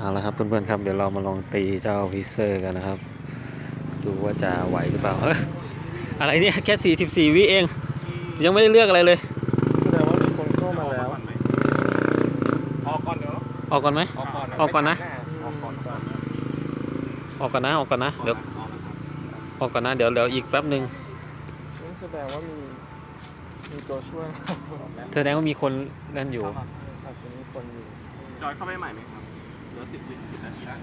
เอาละครับเพื่อนๆครับเดี๋ยวเรามาลองตีเจ้าวิเซอร์กันนะครับดูว่าจะไหวหรือเปล่าอะไรเนี่ยแค่44วิเองยังไม่ได้เลือกอะไรเลยแสดงว่ามีคนเข้ามาแล้วออกก่อนเดี๋ยวออกก่อนไหม ออกก่อนนะออกก่อนก่อนออกก่อนนะเดี๋ยวออกก่อนนะเดี๋ยวอีกแป๊บหนึ่งนี่แสดงว่ามีตัวช่วยแสดงว่ามีคนเล่นอยู่อาจจะมีคนอยู่จอยเข้าไปใหม่ไหมครับเหลือ10 นาทีแล้ว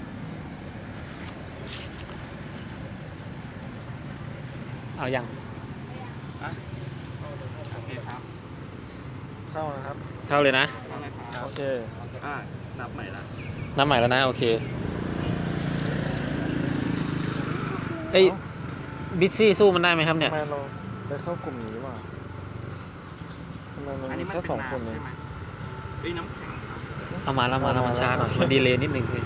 เอายังโอเคครับเข้านะครับเข้าเลยนะเข้าเลยครับโอเคนับใหม่ละนับใหม่แล้วนะโอเคเอ้ยบิซซี่สู้มันได้ไหมครับเนี่ยทำไมเราไปเข้ากลุ่มนี้วะทำไมมันอันมีนี้มันแค่เป็นสองน้ำคนเองใช่ไหมเอ้ยน้ำแข็งครับเอามาแล้วมันช้าหน่อยมันดีเลย์นิดนึง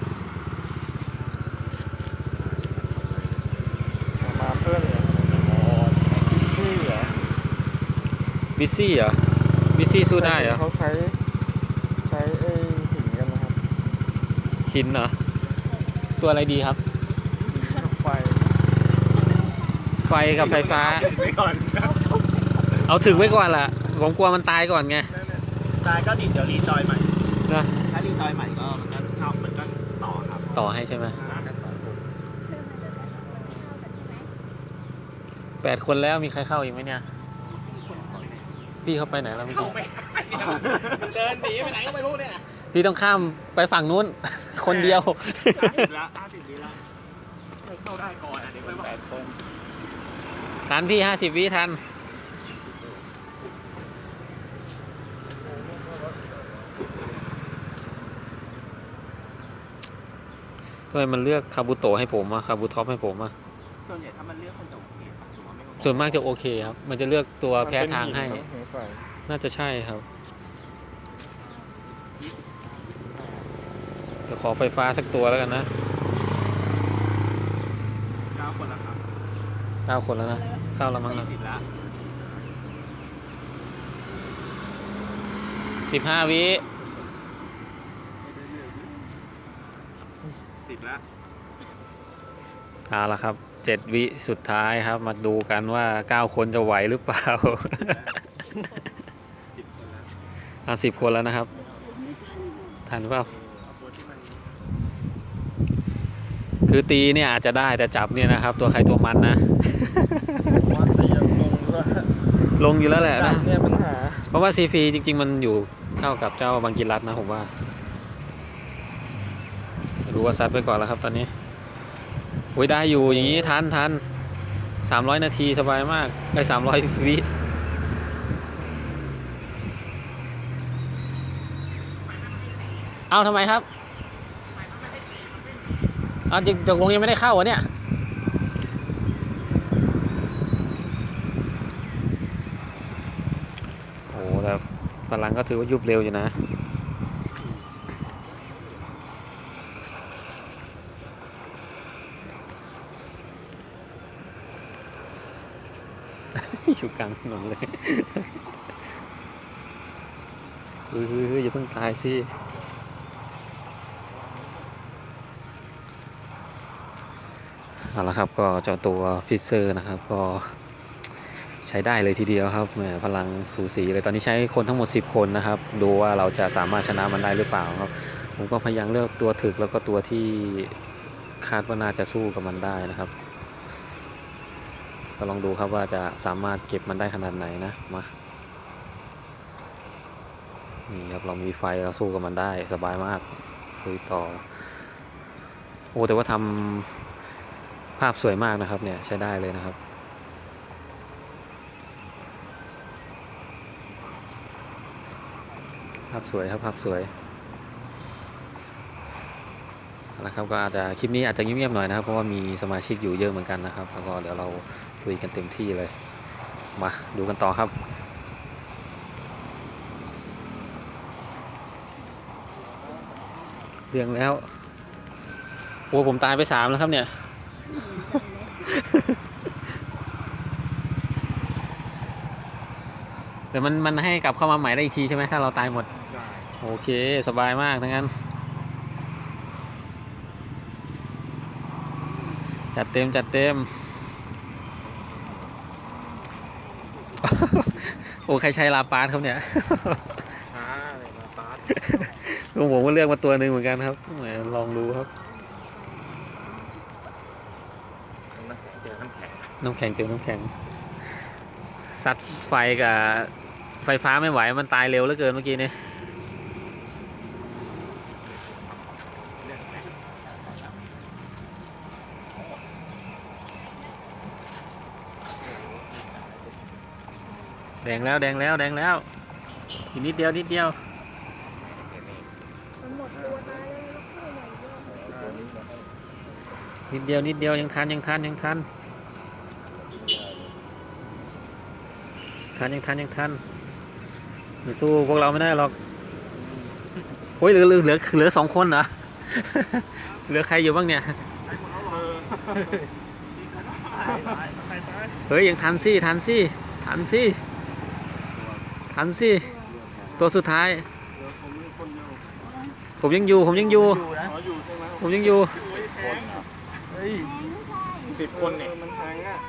มาเพื่อนเนี่ยอ๋อที่เหรอบิซซี่เหรอบิซซี่สู้ได้เหรอเขาใช้ไอ้หินกันนะครับหินเหรอตัวอะไรดีครับหินกับไฟไฟกับไฟฟ้าไว้ก่อนเอาถึงไว้ก่อนล่ะผมกลัวมันตายก่อนไงตายก็ดิเดี๋ยวรีจอยใหม่นะถ้ารีจอยใหม่ก็มันก็เข้ามันก็ต่อครับต่อให้ใช่ไหม8 คนแล้วมีใครเข้าอีกไหมเนี่ยพี่เขาไปไหนแล้วเมื่อเข้ากี้ไปมันเดินหนีไปไหนก็ไม่รู้เนี่ยพี่ต้องข้ามไปฝั่งนู้น คนเดียว 50ละ50 วิละไม่เข้าได้ก่อนอ่ะเดี๋ยวไปว่า8 คนทันพี่50 วิทันทำไมมันเลือกคาบุโตะให้ผมอะคาบุท็อปให้ผมอะส่วนใหญ่ถ้ามันเลือกคนจะโอเคป่ะหรือว่าไม่โอเคส่วนมากจะโอเคครับ มันจะเลือกตัวแพ้ทางให้มันเป็นหินเนอะสงสัยน่าจะใช่ครับ เดี๋ยวขอไฟฟ้าสักตัวแล้วกันนะ 9 คนละครับ 9 คนแล้วนะ เข้าแล้วมั้งนะ 40ละ 15 วิ 10ละเอาละครับ7 วิสุดท้ายครับ มาดูกันว่า 9 คนจะไหวหรือเปล่า 10 คนละ 10 คนแล้วนะครับ ทันเปล่าตัวที่มันคือตีเนี่ยอาจจะได้แต่จับเนี่ยนะครับ ตัวใครตัวมันนะว่าตียังลงด้วยลงอยู่แล้วแหละจันะบเนี่ยปัญหาเพราะว่าซีฟีจริงๆมันอยู่เข้ากับเจ้าบังกิรัตนะผมว่ารู้ว่าซัดไปก่อนแล้วครับตอนนี้โอ้ยได้อยู่อย่างนี้ทัน300 นาทีสบายมากได้300 วิเอาทำไมครับเอาจริงตกลงยังไม่ได้เข้าเหรอเนี่ยโอ้แต่พลังก็ถือว่ายุบเร็วอยู่นะ อยู่กลางถนนเลยเฮ้ยอย่าเพิ่งตายสิเอาละครับก็เจ้าตัวฟิเซอร์นะครับก็ใช้ได้เลยทีเดียวครับแหมพลังสูสีเลยตอนนี้ใช้คนทั้งหมด10 คนนะครับดูว่าเราจะสามารถชนะมันได้หรือเปล่าครับผมก็พยายามเลือกตัวถึกแล้วก็ตัวที่คาดว่าน่าจะสู้กับมันได้นะครับก็ลองดูครับว่าจะสามารถเก็บมันได้ขนาดไหนนะมานี่ครับเรามีไฟเราสู้กับมันได้สบายมากคุยต่อโอ้แต่ว่าทำภาพสวยมากนะครับเนี่ยใช้ได้เลยนะครับภาพสวยครับภาพสวยนะครับก็อาจจะคลิปนี้อาจจะเงียบๆหน่อยนะครับเพราะว่ามีสมาชิกอยู่เยอะเหมือนกันนะครับแล้วก็เดี๋ยวเราคุยกันเต็มที่เลยมาดูกันต่อครับเรียงแล้วโอ้ผมตายไป3แล้วครับเนี่ย แต่มันให้กลับเข้ามาใหม่ได้อีกทีใช่ไหมถ้าเราตายหมดโอเคสบายมากทั้งนั้นจัดเต็มจัดเต็ม โอ้ใครใช้ลาปาสครับเนี่ยช้าเลยมาปาร์ตลุงผมก็เลือกมาตัวหนึ่งเหมือนกันครับแหมลองดูครับเจอน้ำแข็งน้ำแข็งเจอน้ำแข็งซัดไฟกับไฟฟ้าไม่ไหวมันตายเร็วเหลือเกินเมื่อกี้นี้แดงแล้วแดงแล้วแดงแล้วอีกนิดเดียวนิดเดียวมันหมดตัวตายเลยแล้วเข้าใหม่เยอะนิดเดียวนิดเดียวยังทันยังทันยังทันยังทันมันสู้พวกเราไม่ได้หรอกโอ้ยเหลือ2 คนเหรอ เหลือใครอยู่บ้างเนี่ยเฮ้ยยังทันสิทันสิทันสิทันสิตัวสุดท้าย ผมยังอยู่ผมยังอยู่ผมยังอยู่เฮ้ย 10 คนเนี่ยมันแทงอ่ะ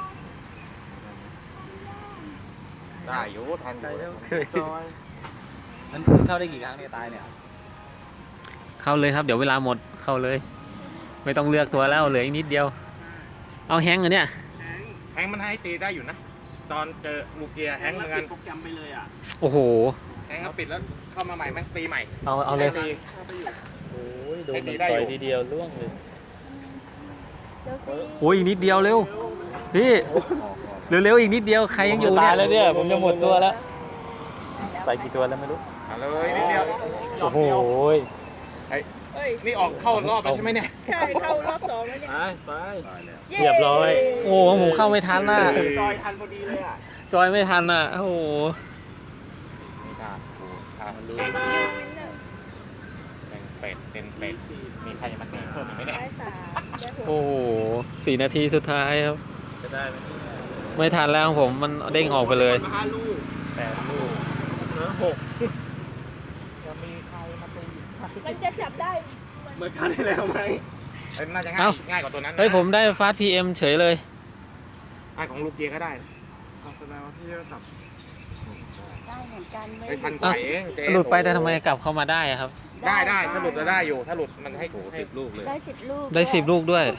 ได้อยู่ทันอยู่จอยมันคุณเข้าได้กี่ครั้งเนี่ยตายเนี่ยเข้าเลยครับเดี๋ยวเวลาหมดเข้าเลย ไม่ต้องเลือกตัวแล้วเหลืออีกนิดเดียวเอาแฮงก์เหรอเนี่ยแฮงค์มันให้ตีได้อยู่นะ ตอนเจอลูกเกียร์แฮงค์เหมือนกันโปรแกรมไปเลยอ่ะโอ้โหแฮงค์เขาปิดแล้วเข้ามาใหม่แม่งตีใหม่เอาเลยตีโอ้ยโดนให้ตีมันได้ต่ออยู่ ยทีเดียวล่วงเลยเดี๋ยวสิโอ้ยอีกนิดเดียวเร็วพี่เร็วๆอีกนิดเดียวใครยังอยู่ตาเนี่ยยแล้วเนี่ยผมจะหมดตัวแล้วไปกี่ตัวแล้วไม่รู้เอาเลยนิดเดียวโอ้โหเอ้ยนี่ออกเข้ารอบแล้วใช่ไหมเนี่ยใช่เข้ารอบ2แล้วเนี่ยไปย้เรียบร้อยโอ้ผมเข้าไม่ทันน่ะจอยทันพอดีเลยอ่ะจอยไม่ทันน่ะโอ้โหนี่ค่ะกูทำมันรู้เช็คยูวินเนอร์เป็นเป็ดเป็นเป็ดมีใครจะมาตีเพิ่มอีกไหมเนี่ยได้3ได้6 โอ้โห4 นาทีสุดท้ายครับจะได้ไหมเนี่ยไม่ทันแล้วของผมมันเด้งออกไปเลย 5 ลูก 8 ลูกเหลือ6จะมีใครมาตีมันจะจับได้เหมือนกันได้แล้วไหมน่าจะง่าเอ้ายง่ายกว่าตัวนั้นนะเฮ้ยผมได้ฟาสต์พีเอ็มเฉยเลยง่ายของลูกเกียร์ก็ได้นะแสดงว่าพี่ก็จับได้เหมือนกันเลเฮ้ยยพันกว่าเองเจ๊หลุดไปแต่ทำไมกลับเข้ามาได้อะครับได้ถ้าหลุดจะได้อยู่ ถ้าหลุดมันให้10 ลูกเลยได้10 ลูกได้10 ลูกด้วย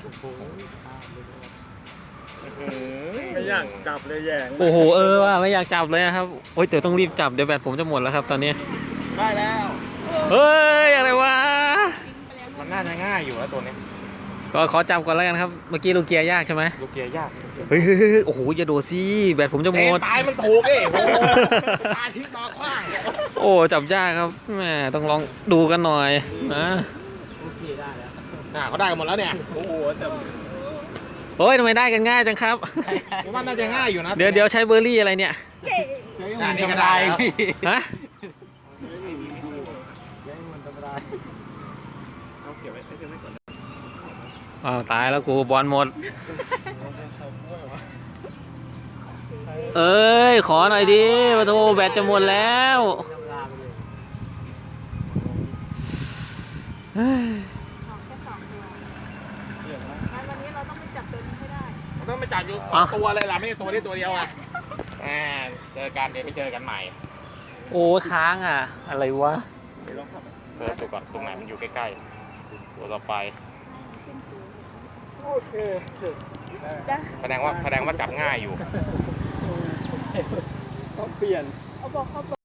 ไม่อยากจับเลยแย่งโอ้โหว่าไม่อยากจับเลยนะครับโอ้ยเดี๋ยวต้องรีบจับเดี๋ยวแบตผมจะหมดแล้วครับตอนนี้ได้แล้วเฮ้ยอะไรวะมันน่าจะง่ายอยู่แล้วตัวนี้ขอจับก่อนแล้วกันครับเมื่อกี้ลูกเกียร์ยากใช่ไหมลูกเกียร์ยากเฮ้ยโอ้โหอย่าโดดสิแบตผมจะหมดตายมันถูกเอ้โอ้ตายที่ตาขว้างโอ้จับยากครับแหมต้องลองดูกันหน่อยนะเขาได้กันหมดแล้วเนี่ยโอ้โหแต่โอ้ยทำไมได้กันง่ายจังครับผมว่าน่าจะง่ายอยู่นะเดี๋ยวใช้เบอร์รี่อะไรเนี่ยเย้นี่ก็ได้ฮะเอาเก็บไว้ก่อนอ้าวตายแล้วกูบอลหมดเอ้ยขอหน่อยดิปะโทแบตจะหมดแล้วเฮ้ยออกแค่2 ตัวงั้นวันนี้เราต้องไปจับตัวนี้ให้ได้ต้องไปจับอยู่2 ตัวเลยล่ะไม่ใช่ตัวนี้ตัวเดียวอ่ะเจอกันเดี๋ยวไปเจอกันใหม่โอ้ค้างอ่ะ อะไรวะเจอตัวก่อนตรงไหนมันอยู่ใกล้ๆตัวต่อไปโอเคจ้ะแสดงว่าจับง่ายอยู่ต้องเปลี่ยนเอาบอกเขา